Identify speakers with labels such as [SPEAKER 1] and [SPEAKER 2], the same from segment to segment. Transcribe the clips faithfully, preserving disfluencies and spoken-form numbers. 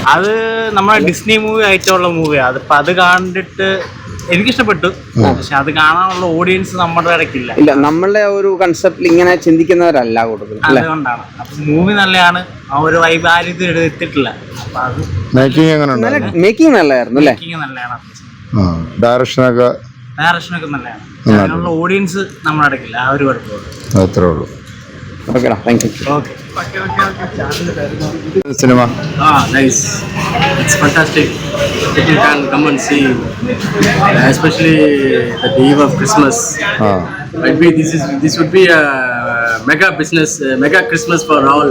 [SPEAKER 1] അത് നമ്മളെ Disney movie ആയിട്ടുള്ള മൂവിയാണ്. അതിപ്പോൾ അത് കണ്ടിട്ട് എനിക്കിഷ്ടപ്പെട്ടു. പക്ഷെ അത് കാണാനുള്ള ഓഡിയൻസ് നമ്മുടെ ഇടയ്ക്കില്ല.
[SPEAKER 2] ഇല്ല, നമ്മളുടെ ഒരു കൺസെപ്റ്റിൽ ഇങ്ങനെ ചിന്തിക്കുന്നവരല്ല കൂടുതൽ.
[SPEAKER 1] അതുകൊണ്ടാണ്. അപ്പം മൂവി നല്ലതാണ്, ആ ഒരു വൈബ് ആരും ഇത് എടുത്തിട്ടില്ല. അപ്പം അത്
[SPEAKER 3] മേക്കിംഗ് എങ്ങനെ
[SPEAKER 2] മേക്കിംഗ് നല്ലതായിരുന്നു അല്ലേ?
[SPEAKER 1] മേക്കിംഗ് നല്ലതാണ്,
[SPEAKER 3] ഡയറക്ഷനൊക്കെ
[SPEAKER 1] ഡയറക്ഷനൊക്കെ നല്ലതാണ്. അതിനുള്ള ഓഡിയൻസ് നമ്മുടെ ഇടയ്ക്കില്ല, ആ ഒരു കുഴപ്പമുള്ളൂ.
[SPEAKER 3] അത്രേ ഉള്ളൂ.
[SPEAKER 2] ഓക്കെടാ, thank you.
[SPEAKER 1] Okay.
[SPEAKER 3] Cinema
[SPEAKER 4] Ah, nice. It's fantastic. You can come and see, especially the eve of Christmas.
[SPEAKER 3] Ah.
[SPEAKER 4] Might be this is this would be a mega business, uh, mega Christmas for all.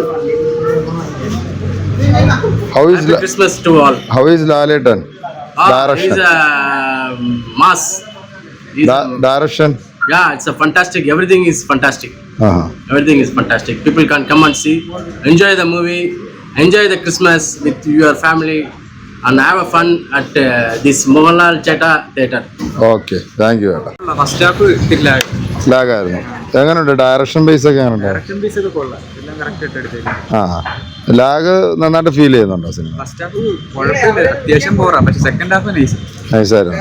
[SPEAKER 3] How is
[SPEAKER 4] Happy Christmas to all.
[SPEAKER 3] How is Laletan?
[SPEAKER 4] Ah,
[SPEAKER 3] Direction.
[SPEAKER 4] he's a mass. He's
[SPEAKER 3] Da- direction.
[SPEAKER 4] Yeah, it's a fantastic. Everything is fantastic.
[SPEAKER 3] Uh-huh.
[SPEAKER 4] Everything is fantastic. People can come and see, enjoy the movie, enjoy the Christmas with your family, and have a fun at uh, this Mohanlal Chetta Theatre.
[SPEAKER 3] Okay, thank you ഏട്ടാ.
[SPEAKER 5] First half
[SPEAKER 3] ലാഗായിരുന്നു. എങ്ങനെയുണ്ട് direction base ഒക്കെ എങ്ങനെയുണ്ട്?
[SPEAKER 5] Direction base ഒക്കെ കൊള്ളാം, എല്ലാം correct ആയിട്ട് എടുത്തേക്കും.
[SPEAKER 3] ആ, ലാഗ് നന്നായിട്ട് ഫീൽ ചെയ്യുന്നുണ്ടോ സിനിമ?
[SPEAKER 5] ഫസ്റ്റ് ഹാഫ് കുഴപ്പമില്ല, അത്യാവശ്യം പോറാ, പക്ഷെ സെക്കൻഡ് ഹാഫ് നൈസ്
[SPEAKER 3] നൈസായിരുന്നു.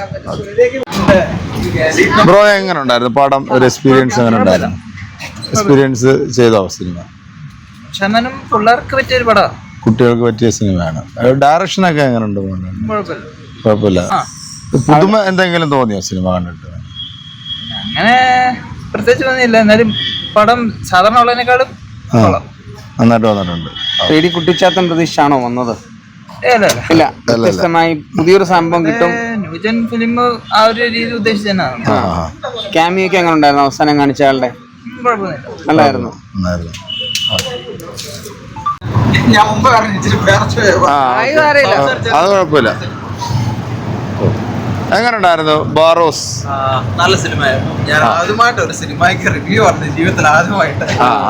[SPEAKER 3] ബ്രോ എങ്ങനെ ഉണ്ടായിരുന്നു പടം? ഒരു എക്സ്പീരിയൻസ് എങ്ങനെ ഉണ്ടായിരുന്നു? എക്സ്പീരിയൻസ് ചെയ്തോ സിനിമ?
[SPEAKER 6] പക്ഷെ എന്നാലും പിള്ളേർക്ക് പറ്റിയൊരു പടാ,
[SPEAKER 3] കുട്ടികൾക്ക് പറ്റിയ സിനിമയാണ്. ഡയറക്ഷനൊക്കെ എങ്ങനെ ഉണ്ട്?
[SPEAKER 6] കുഴപ്പമില്ല.
[SPEAKER 3] കുഴപ്പമില്ല. പുതുമ എന്തെങ്കിലും തോന്നിയോ സിനിമ കണ്ടിട്ട്?
[SPEAKER 6] അങ്ങനെ പ്രത്യേകിച്ച് തോന്നിയില്ല, എന്നാലും പടം സാധാരണ ഉള്ളതിനേക്കാളും കൊള്ളാം,
[SPEAKER 3] നന്നായിട്ട് വന്നിട്ടുണ്ട്.
[SPEAKER 2] പേടി കുട്ടിച്ചാത്തൻ പ്രതീക്ഷയാണോ വന്നത്? ഇല്ല, വ്യത്യസ്തമായി പുതിയൊരു സംഭവം കിട്ടും.
[SPEAKER 6] ന്യൂജൻ ഫിലിം ആ ഒരു രീതി ഉദ്ദേശിച്ച് തന്നെയാണ്.
[SPEAKER 2] ക്യാമിയൊക്കെ എങ്ങനെ ഉണ്ടായിരുന്നു? അവസാനം കാണിച്ച ആളുടെ
[SPEAKER 6] കുഴപ്പമൊന്നുമില്ല,
[SPEAKER 2] നല്ലായിരുന്നു.
[SPEAKER 6] ഞാൻ മുമ്പ്
[SPEAKER 3] അത് കുഴപ്പമില്ല. എങ്ങനെ ഉണ്ടായിരുന്നു ബാറോസ്?
[SPEAKER 7] നല്ല സിനിമയായിരുന്നു. ഞാൻ ആദ്യമായിട്ട് ഒരു സിനിമയ്ക്ക് റിവ്യൂ പറഞ്ഞു ജീവിതത്തിൽ ആദ്യമായിട്ട്.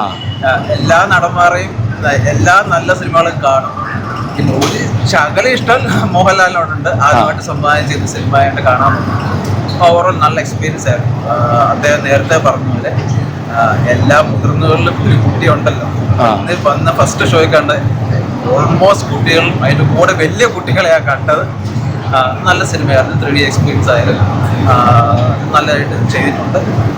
[SPEAKER 7] എല്ലാ നടന്മാരെയും എല്ലാ നല്ല സിനിമകളും കാണും. പിന്നെ ഒരു ശകല ഇഷ്ടം മോഹൻലാലിനോടുണ്ട്. ആദ്യമായിട്ട് സംഭാവന ചെയ്ത സിനിമയായിട്ട് കാണാൻ ഓവറോൾ നല്ല എക്സ്പീരിയൻസ് ആയിരുന്നു. അദ്ദേഹം നേരത്തെ പറഞ്ഞ പോലെ എല്ലാ മുതിർന്നവരിലും ഒരു കുട്ടി ഉണ്ടല്ലോ. ഇന്ന് വന്ന ഫസ്റ്റ് ഷോയിൽ കണ്ട് ഓൾമോസ്റ്റ് കുട്ടികളും അതിൻ്റെ കൂടെ വലിയ കുട്ടികളെയാണ് കണ്ടത്. നല്ല സിനിമയായിരുന്നു. ത്രീ ഡി എക്സ്പീരിയൻസ് ആയാലും നല്ലതായിട്ട് ചെയ്തിട്ടുണ്ട്.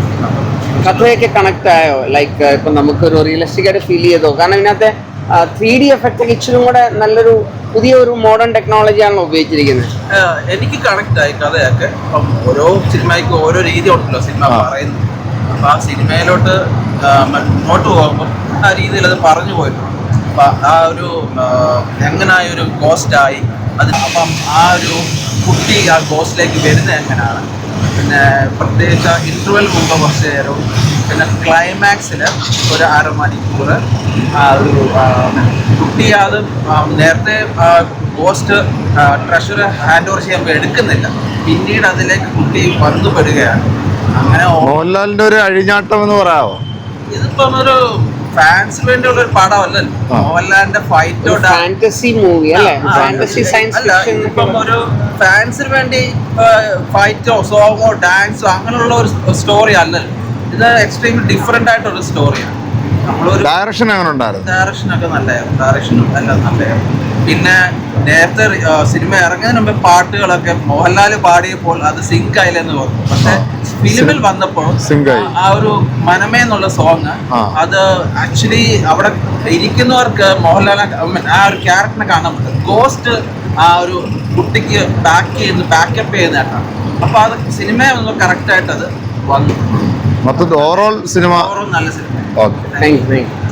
[SPEAKER 2] കഥയൊക്കെ കണക്ട് ആയോ? ലൈക്ക് ഇപ്പൊ നമുക്കൊരു റിയലിസ്റ്റിക് ആയിട്ട് ഫീൽ ചെയ്തോ? കാരണം ഇതിനകത്തെ ത്രീ ഡി എഫക്റ്റ് ഒക്കെ ഇച്ചിരി കൂടെ നല്ലൊരു പുതിയ ഒരു മോഡേൺ ടെക്നോളജിയാണല്ലോ ഉപയോഗിച്ചിരിക്കുന്നത്.
[SPEAKER 7] എനിക്ക് കണക്ട് ആയി കഥയൊക്കെ. അപ്പം ഓരോ സിനിമയ്ക്ക് ഓരോ രീതി ഉണ്ടല്ലോ സിനിമ പറയുന്നത്. അപ്പം ആ സിനിമയിലോട്ട് മുന്നോട്ട് പോകുമ്പോൾ ആ രീതിയിൽ അത് പറഞ്ഞു പോയിട്ടുണ്ട്. അപ്പം ആ ഒരു എങ്ങനായ ഒരു ഗോസ്റ്റായി അതിനപ്പം ആ ഒരു കുട്ടി ആ ഗോസ്റ്റിലേക്ക് വരുന്നത് എങ്ങനെയാണ്, പിന്നെ പ്രത്യേകിച്ച് ഇൻ്റർവെൽ മുമ്പ് കുറച്ച് നേരവും പിന്നെ ക്ലൈമാക്സിൽ ഒരു അരമണിക്കൂർ ആ ഒരു കുട്ടി അത് നേരത്തെ ഗോസ്റ്റ് ട്രഷർ ഹാൻഡ് ഓവർ ചെയ്യുമ്പോൾ എടുക്കുന്നില്ല, പിന്നീട് അതിലേക്ക് കുട്ടി വന്നുപെടുകയാണ്. അങ്ങനെ
[SPEAKER 3] മോഹൻലാലിന്റെ ഒരു അഴിഞ്ഞാട്ടം എന്ന് പറയാമോ?
[SPEAKER 7] ഇതിപ്പം ഒരു ഫാൻസിന് വേണ്ടിയുള്ള ഒരു പടമല്ലല്ലോ. മോഹൻലാലിന്റെ ഫൈറ്റോ
[SPEAKER 2] ഫാന്റസി മൂവി അല്ലേ? Fantasy science fiction.
[SPEAKER 7] ഇപ്പം ഒരു ഫാൻസിന് വേണ്ടി ഫൈറ്റോ സോങ്ങോ ഡാൻസോ അങ്ങനെയുള്ള ഒരു സ്റ്റോറി അല്ലല്ലോ. ഇത് എക്സ്ട്രീംലി ഡിഫറെന്റ് ആയിട്ടൊരു സ്റ്റോറിയാണ്. നമ്മളൊരു
[SPEAKER 3] ഡയറക്ഷൻ എങ്ങനെ ഉണ്ടായിരുന്നു?
[SPEAKER 7] ഡയറക്ഷനൊക്കെ നല്ലതായിരുന്നു. ഡയറക്ഷനും എല്ലാം നല്ലതായിരുന്നു. പിന്നെ നേരത്തെ സിനിമ ഇറങ്ങുന്നതിന് മുമ്പ് പാട്ടുകളൊക്കെ മോഹൻലാൽ പാടിയപ്പോൾ അത് സിങ്ക് ആയില്ലെന്ന് തോന്നുന്നു. പക്ഷെ ഫിലിമിൽ വന്നപ്പോൾ ആ ഒരു മനമേ എന്നുള്ള സോങ് അത് ആക്ച്വലി അവിടെ ഇരിക്കുന്നവർക്ക് മോഹൻലാൽ ആ ഒരു ക്യാരക്ടറിനെ കാണാൻ പറ്റും. ഗോസ്റ്റ് ആ ഒരു കുട്ടിക്ക് ബാക്ക് ചെയ്യുന്ന ബാക്കപ്പ് ചെയ്യുന്നതായിട്ടാണ്. അപ്പൊ അത് സിനിമ കറക്റ്റ് ആയിട്ട് അത് വന്നു.
[SPEAKER 3] മൊത്തത്തിൽ ഓവറോൾ സിനിമ
[SPEAKER 7] ഓവറോൾ നല്ല സിനിമ.
[SPEAKER 3] Okay,
[SPEAKER 2] thank U.